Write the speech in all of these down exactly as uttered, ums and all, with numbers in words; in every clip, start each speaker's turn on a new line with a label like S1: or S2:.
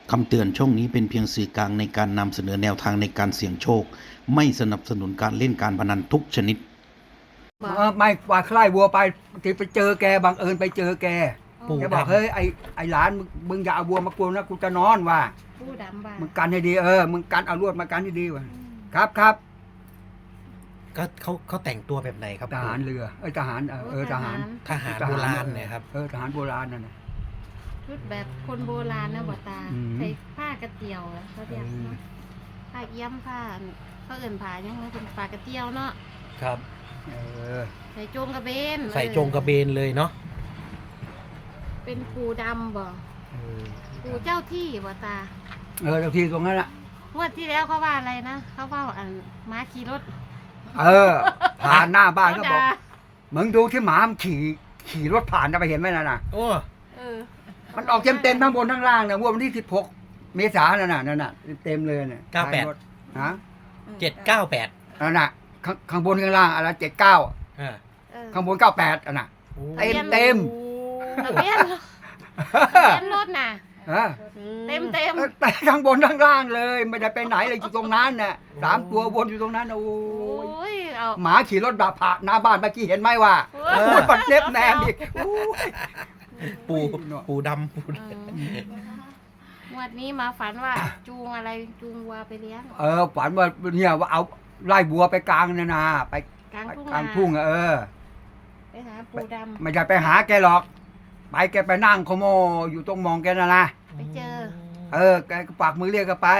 S1: คำเตือนช่องนี้เป็นเพียงสื่อกลางในการนำเสนอแนวทางในการเสี่ยงโชคไม่สนับสนุนการเล่นการพนันทุกชนิด
S2: เออไม่ว่าใครวัวไปที่ไปเจอแกบังเอิญไปเจอแก
S3: ปู่
S2: แกบอก
S3: ดำ
S2: เฮ้ยไอไอหลานมึงมึงอย่าเอาวัวมากวนนะกูจะนอนว่ะ
S4: ผู้ดำบ้า
S2: มึงกันให้ดีเออมึงกันเอาลวดมากันให้ดีว่ะครับครับ
S3: ก็เขาเขาแต่งตัวแบบไหนครับ
S2: ทหารเรือเอ้ยทหารเออเออทหาร
S3: ทหารโบราณเนี่ยครับ
S2: เออทหารโบราณนั่นน่ะ
S4: ชุดแบบคนโบราณนะบ่ตา
S2: อืม
S4: ใส่ผ้ากระเตียวอะเขาเรียก
S2: เออ
S4: เนาะผ้าเอี้ยมผ้าเขาเอิ่นผ้ายังไงเป็นผ้ากระเตียวเนาะ
S3: ครับ
S2: เออ
S4: ใส่โจงกระเบน
S3: ใส่จงกระเบนเลยเนาะ
S4: เป็นปูดำบ่
S2: เออ
S4: ปูเจ้าที่บ่ตา
S2: เออเจ้าที่ตรงนั้นแหละ
S4: งวดที่แล้วเขาว่าอะไรนะเขาว่าอันม้าขี่รถ
S2: เออผ่านหน้าบ้านก็บอก
S4: ด่
S2: มึงดูที่หมามันขี่ขี่รถผ่านจะไปเห็นไหมน่ะน่ะ
S3: โอ้
S4: เออ
S2: มันออกเต็มเต็มๆทั้งบนทั้งล่างนะวันที่สิบหกเมษายนนั่นน่ะนั่นน่ะเต็มเลยเนี่ย
S3: เก้าแปด
S2: รถฮะ
S3: เจ็ดเก้าแปด
S2: นั่นน่ะข้างข้างบนข้างล่างอะไรเจ็ดเก้า
S3: อ่า
S4: เออ
S2: ข้างบนเก้าแปดอ่ะน่ะ
S3: โอ้
S2: เต็มเต็ม
S4: ทะเบียนทะเบียนรถน่ะ
S2: เออ
S4: เต็มเต็ม
S2: แต่ข้างบนข้างล่างเลย ไม่ได้ไปไหนเลยอยู่ตรงนั้นน่ะสามตัววนอยู่ตรงนั้นน่ะโอ้
S4: โอ้
S2: ย
S4: ยเอา
S2: หมาขี่รถแบบผ่านหน้าบ้านเมื่อกี้เห็นไหมว่า
S4: เอ
S2: โอ้
S4: อ
S2: ยปัดเล็บแนมอีกโอ้ย
S3: ปูปูดำปู
S4: เอองวดนี้มาฝันว่าจูงอะไรจูงวัวไปเลี้ยง
S2: เออฝันว่าเนี่ยว่าเอาไล่บัวไปกลางนานาไป
S4: กลาง
S2: ไป
S4: ทุ่ง
S2: กลาง
S4: นา
S2: ทุ่งอะเออ
S4: ไปหาปูด
S2: ไม่ได้ไปหาแกหรอก ไปแกไปนั่งโคโมอยู่ตรงมองแกน่ะนะ
S4: ำไปเจอ
S2: เออแกก็ปากมือเรียกกันไป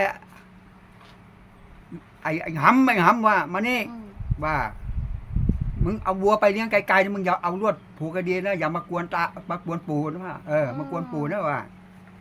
S2: ไอ้ไอ้หำไอ้หำว่ามานี่
S4: อืม
S2: ว่า มึงเอาวัวไปเลี้ยงไกลๆนะมึงอย่าเอาลวดผูกกระดีนะอย่ามากวนตามากวนปู่นะว่าเออมากวนปู่นะว่า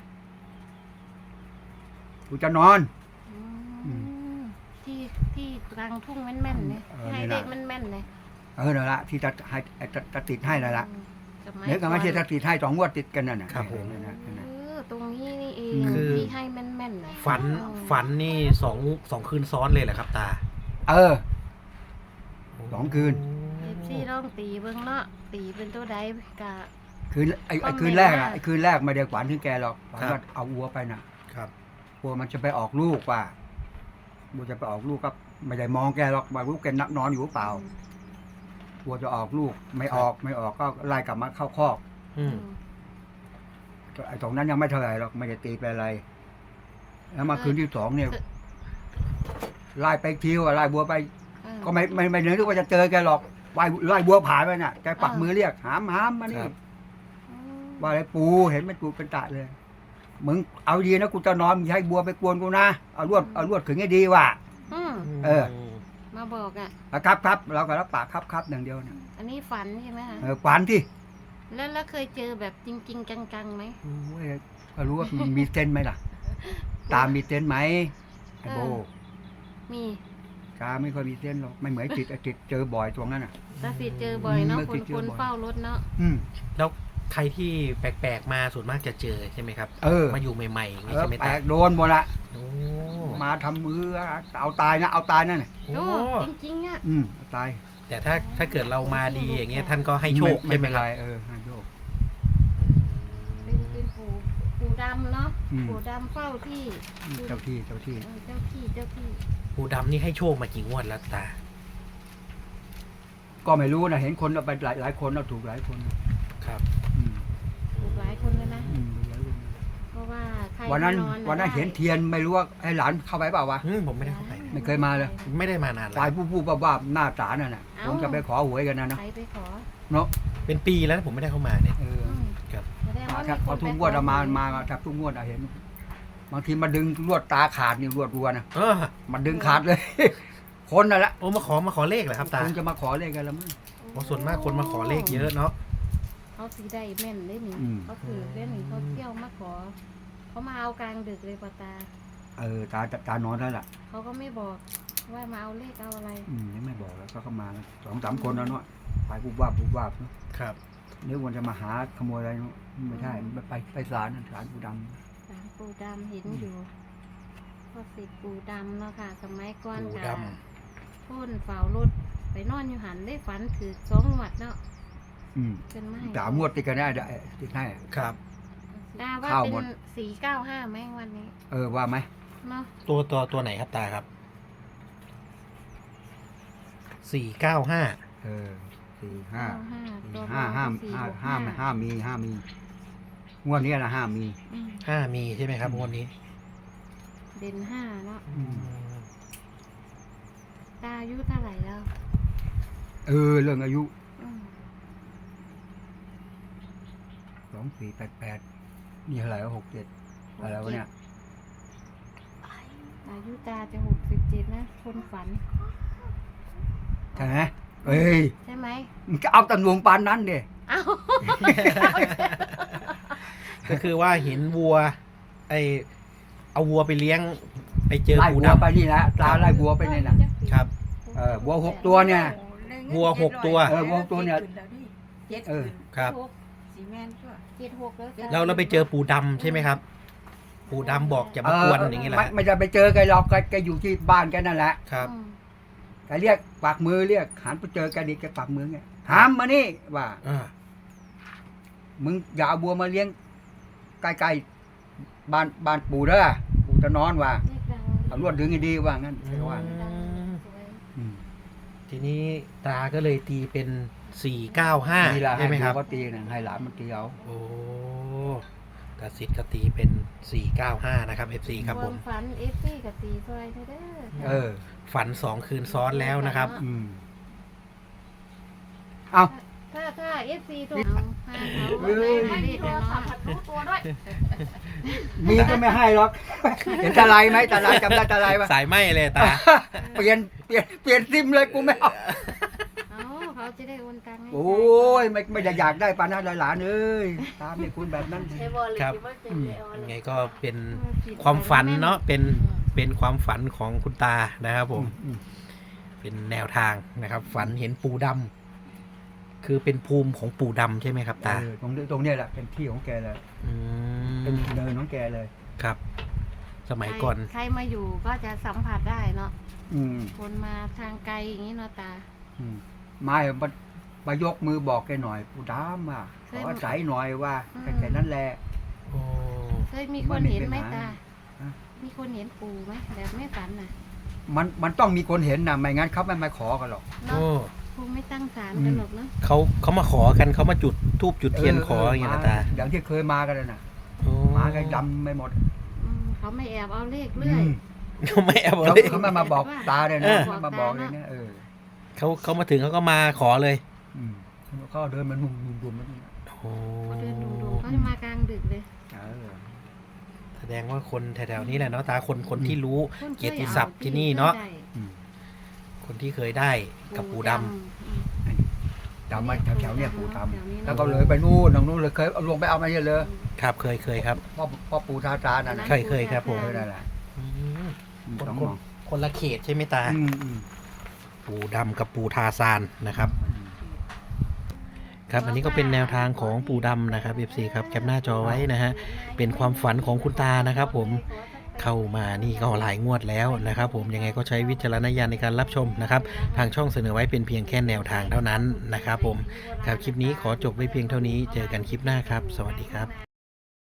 S2: กูจะนอน
S4: อื
S2: อื
S4: มที่ที่กลางทุ่งแม่นๆเนี่ย
S2: เออ
S4: ให้
S2: นี่
S4: เด็
S2: นะ
S4: กแม่นๆเลย
S2: เออนั่นละที่จะให้จะจะติดให้นั่นละ
S4: อืมสมัย
S2: เดี๋ยวก็ไม่ใช่จะติดให้สองงวดติดกันนั่นน่ะ
S3: ครับผม
S2: นั่นน่ะนั่น
S4: เอ
S2: น่ะ
S4: อตรงนี้นี่เอง
S2: คือ
S4: ที่ให้แม่นๆเลย
S3: ฝัน
S4: อืม
S3: ฝันนี่สองสองคืนซ้อนเลยเหรอครับตา
S2: เออ สองคืน
S4: เอฟซีลองตีเบิ่งเนาะตีเป็นตัวใดกะ
S2: คืนไอ้ไอ้
S4: คอมเมนต์
S2: คืนแรก
S4: มา
S2: อะไอ้คืนแรกไม่ได้ฝันถึงแกหรอกฝัน
S3: ครับ
S2: ว่าเอาวัวไปน่ะ
S3: ครับ
S2: วัวมันจะไปออกลูกว่าวัวจะไปออกลูกก็ไม่ได้มองแกหรอกว่าลูกแกนักนอนอยู่หรือเปล่าวัวจะออกลูกไม่ออกไม่ออกก็ไล่กลับมาเข้าคอก
S3: อืม
S2: ไอ้ตรงนั้นยังไม่เท่าไหร่หรอกไม่ได้ตีไปอะไร แล้วมาคืนที่สองเนี่ยไล่ไปคิวอะไล่บัวไป
S4: เออ
S2: ก็ไม่ไม่ไม่นึกว่าจะเจอแกหรอกไล่ไล่บัวผ่านไปน่ะแกปักมือเรียกหามหามมานี่
S3: ครับ
S4: อืม
S2: ว่าอะไรปูเห็นไหมปูเป็นตะเลย มึงเอาดีนะกูจะนอนมึงอย่าให้บัวไปกวนกูนะเอาลวดเอาลวดขึงให้ดีว่ะ
S4: อืม
S2: เออ
S4: มาบอกอ่ะ
S2: อ่ะครับครับเราก็รับปากครับครับอย่างเดียวนะ
S4: อันนี้ฝันใช่ไหมคะ
S2: เออฝันที่
S4: แล้วแล้วเคยเจอแบบจริง ๆ จังๆไหม
S2: โอ้ยก็รู้ว่ามันมีเส้นไหมล่ะ ตามมีเส้นไหมไอ้โบ
S4: เออ มี
S2: ตาไม่ค่อยมีเส้นหรอกไม่เหมือนจิตไอ้จิตเจอบ่อยตรงนั้นอ่ะ
S4: ตาสิเจอบ่อยเนาะ
S2: เมื่อ
S4: ค
S2: กี้
S4: น
S2: เจอ
S4: คน
S2: บ่อย
S4: เฝ้ารถเนาะ
S2: อืม
S3: แล้วใครที่แปลกๆมาส่วนมากจะเจอใช่ไหมครับ
S2: เออ
S3: มาอยู่ใหม่ๆอย่าง
S2: เอ
S3: นี้
S2: อ
S3: ใช่ไหม
S2: แปล
S3: ตาก
S2: โดนหมดละ
S3: โอ้
S2: มาทำมือเอาตายนะเอาตายนั่นน่ะ
S3: โอ้
S4: โอ้จริงๆอ่ะ
S2: อืมเอาตาย
S3: แต่ถ้าถ้าเกิดเรามาดีอย่างเงี้ยท่านก็ให้โชค
S2: ไม่
S3: ใช่ไหม
S2: เป็น
S3: ค
S2: ไร
S3: รับ
S2: เออให้โชค
S4: เป็นเป็นปู่ปู่ดำเนาะ
S2: อืม
S4: ปู่ดำเฝ้าที่
S2: เจ้าที่เจ้าที่
S4: เออเจ้าที่เจ้าที่
S3: ปูดำนี่ให้โชคมากี่งวดแล้วตา
S2: ก็ไม่รู้นะเห็นคนเอาไปหลายหลายคนเราถูกหลายคน
S3: ครับ
S2: อืม
S4: ถูกหลายคนเลยนะ
S2: อืมหลายคน
S4: เพราะว่าใคร
S2: วันนั้น
S4: ที่อ
S2: วันนั้น
S4: ได้
S2: เห็นเทียนไม่รู้ว่าไอ้หลานเข้าไปเปล่าวะ
S3: อืมผมไม่ได้เข้าไป
S2: ไม่เคยมาเลย
S3: ไม่ได้มานานแล้
S2: ฝ่ายว ผู้ผู้บ้าบ้าหน้าศาลนั่นน่ะ
S4: เอ้า
S2: ผมจะไปขอหวยกันนะเนาะ
S4: ใครไปขอ
S2: เนาะ
S3: เป็นปีแล้วนะผมไม่ได้เข้ามาเนี่ย
S2: เออ
S4: อืม
S3: ครับ
S4: แสดงว่า
S2: ถ้า
S4: มี
S2: พอ
S4: คน
S2: ทุก
S4: ไป
S2: งวด
S4: ข
S2: เอา
S4: อ
S2: มามามาถ้าทุกงวดอะเห็น บางทีมาดึงลวดตาขาดนี่ลวดวัวนะ
S3: เออ
S2: มันดึงขาดเลย คนนั่นแหละ
S3: โอ้มาขอมาขอเลขเหรอครับตา
S2: คงจะมาขอเลขกันแล้วมั้ง
S3: โอ้ส่วนมากคนมาขอเลขเยอะเนาะ
S4: เขาสีได้แม่นได้หนิ
S2: อืม
S4: เขาถือได้หนิเขาเที่ยวมาขอ เขามาเอากลางดึกเลยปะตา
S2: เออตาตานอนแล้วล่ะ
S4: เขาก็ไม่บอกว่ามาเอาเลขเอาอะไร
S2: อืมยังไม่บอกแล้วก็เข้ามาสองสามคนแล้วเนาะไปปุ๊บว่าบปุ๊บว่าบเนาะ
S3: ครับ
S2: นึกว่าจะมาหาขโมยอะไรเนาะไม่ใช่ไปไปไปศาลนั่นศาลปูดำ
S4: สารปูดำเห็นอยู่พ่อสิทธิ์ปูดำเนาะค่ะ สมัยก่อน
S3: ปู
S4: กะ
S3: ด
S4: พ่นเฝ้ารถไปนอนอยู่หันได้ฝันถือสองหวัดเนาะ
S2: อืม
S4: เป็นไม้
S2: สามงวดติดกันได้ได้ติดให้
S3: ครับ
S4: สิดาว่า
S2: เข้า
S4: เป็
S2: หมด
S4: นสี่เก้าห้าไหมวันนี้
S2: เออว่าไหม
S4: เนาะ
S3: ตัวตัวตัวไหนครับตาครับสี่เก้าห้า
S2: เออสี่ห้า
S4: เก้าห้า
S2: สี่
S4: ตัว
S2: ห้าห้า
S4: สี่
S2: ห้า
S4: หก
S2: ห้าห้ามีห้ามีงวดนี้นะห้ามี
S4: อืม
S3: ห้ามีใช่ไหมครับงวดนี้
S4: เด่นห้าเนาะ
S2: อืม
S4: ตาอายุเท่าไหร่แล้ว
S2: เออเรื่องอายุ
S4: อืม
S2: สองสี่แปดแปดนี่เท่าไหร่หกเจ็ดอะไรวะเนี่ย
S4: อายุตาจะหกสิบเจ็ดนะ คนฝัน
S2: ใช่ไหมเอ้ย
S4: ใช่ไหม
S2: มึงก็เอาตำรวจปานนั้นดิ
S4: เอ้า
S3: ก็คือว่าเห็นวัว ไอเอาวัวไปเลี้ยง ไปเจอ
S2: ไล่
S3: ปู
S2: วัว
S3: ดำ
S2: ไปนี่แหละตาไล่วัวไปนี่นะครับ เออวัวหกตัวเนี่ย
S3: วัวหกตัว
S2: เออวัวหกตัวเนี่ย
S5: เจ็ด
S2: เออ
S3: ครับ
S4: หก
S5: สีแมนชั่ว
S4: เจ็ดหกแล้วจ้ะ
S3: เราเราไปเจอปูดำใช่ไหมครับ ปูดำบอกจะมากวนอย่างนี้แหละ
S2: ไม่ไม่จะไปเจอแกหรอกแกแกอยู่ที่บ้านแกนั่นแหละ
S3: ครับ
S4: อืม
S2: แกเรียกปากมือเรียกหันไปเจอแกดิแกปากมือไงหามมานี่ว่า
S3: อ่า
S2: มึงอย่าเอาบัวมาเลี้ยงใกล้ๆบ้านบ้านปู่เด้อปู่จะนอนว่า
S4: เลขดัง
S2: เอาลวดดึงให้ดีว่างั้นแกว่า
S4: ดังสวย
S2: อืม
S3: ทีนี้ตาก็เลยตีเป็นสี่เก้าห้า
S2: นี่แหละให้
S3: ใช่ไหมครับ
S2: เขาตีนะให้หลานมันตีเอา
S3: โอ้ตาสิทธิ์ก็ตีเป็นสี่เก้าห้านะครับเอฟซีครับผม
S4: วฝันเอฟซีกับตีซอยเด้อ
S2: เออ
S3: ฝันสองคืนซ้อนแล้วนะครับ
S2: อืมเอา
S4: ถ้าถ้าเอฟซีตัวเอาห้าเขาไม่ได้ไม่ได้แต่เนาะ
S5: รู้ตัวด้วย
S2: มีก็ไม่ให้หรอก เห็นตาลายไหมตาลายจำได้ตาลายปะ
S3: สายไหมเลยตา
S2: เปลี่ยนเปลี่ยนเปลี่ยนซิมเลยกูไม่เอา
S4: เอาเขาจะได้โอนตังค์ให้
S2: โอ้ยไม่ไม่ได้อยากได้ปานนั้นหลานเอ้ยตามไม่คุณแบบนั้น
S5: ไอ้บอลเลย
S3: ครับ
S5: คิดว่าเป็นไอ้บอล
S3: ยัง
S5: เล
S3: ไง
S5: ย
S3: ก็เป็นความฝันเนาะเป็นเป็นความฝันของคุณตานะครับผม
S2: อืม
S3: เป็นแนวทางนะครับ ฝันเห็นปูดำคือเป็นภูมิของปูดำใช่ไหมครับตา
S2: เออตรงนี้ตรงเนี้ยแหละเป็นที่ของแกเลย
S3: อื
S2: เป็น
S3: ม
S2: เนินของแกเลย
S3: ครับ สมัยก่อน
S4: ใครมาอยู่ก็จะสัมผัสได้เนาะ
S2: อืม
S4: คนมาทางไกลอย่างนี้เนาะตา
S2: อืมไม่มามายกมือบอกแกหน่อยผู้ดามอ่ะขออาศัยหน่อยว่า
S4: อืม
S2: แค่แค่นั้นแหละ
S3: โอ้
S4: เคยมีคนเห็นไหมตา
S2: ฮะ
S4: มีคนเห็นปูไหมแบบไม่ฝันน่ะ
S2: มันมันต้องมีคนเห็นนะไม่งั้นเขาไม่มาขอกันหรอก
S4: เนาะ
S3: โอ้
S4: คงไม่ตั้งศาลกันหรอกเนาะ
S3: เขาเขามาขอกันเขามาจุดทูบจุดเทียนขออย่างเงี้ยนะตา
S2: อย่างที่เคยมากันเลยนะ
S3: โอ้
S2: มากันดำไม่หมด
S4: อืมเขาไม่แอบเอาเลขเรื่อย
S2: อืม
S3: เขาไม่เอา
S2: เขา
S3: เลย
S2: เขาไม่มาบอกตาเลย
S3: เอ
S2: นะ
S3: อ
S2: เขามาบอกเลยนะเออ
S3: เขาเขามาถึงเขาก็มาขอเลย
S2: อืมเขาเดินมันนุ่มนุ่มนุ่มมัน
S3: โอ้
S4: เขาเดินดุๆเขาจะมากลางดึกเลย
S2: เออ
S3: แสดงว่าคนแถวๆนี้แหละเนาะตาคนคนที่รู้
S4: คนค
S3: เกียรติศัพท์ที่นี่เนาะ
S4: ได้
S2: อืม
S3: คนที่เคยได้กับปูดำ
S4: อืม
S2: ดำมาแถวๆเนี่ยปู่ท
S4: แถวนี้
S2: ำ
S4: เนอะ
S2: แล้วก็เลยไปนู่นทางนู้นเลยเคยเอาลงไปเอามาเยอะเลย
S3: ครับเคยเคยครับ
S2: พ่อพ่อปู่ทาตานั่นนะ
S3: เคยเคยครับผม
S2: เออนั่นแหละ
S3: อืม
S2: อืม
S3: คน
S2: สอง
S3: ค
S2: ห
S3: น
S2: มอง
S3: คนละเขตใช่ไหมตา
S2: อืมอืม
S3: ปูดำกับปูทาซานนะครับ
S2: อืม
S3: ครับ อันนี้ก็เป็นแนวทางของปูดำนะครับ เอฟ ซี ครับแคปหน้าจอไว้นะฮะเป็นความฝันของคุณตานะครับผมเข้ามานี่ก็หลายงวดแล้วนะครับผมยังไงก็ใช้วิจารณญาณในการรับชมนะครับทางช่องเสนอไว้เป็นเพียงแค่แนวทางเท่านั้นนะครับผมครับคลิปนี้ขอจบไว้เพียงเท่านี้เจอกันคลิปหน้าครับ สวัสดีครับ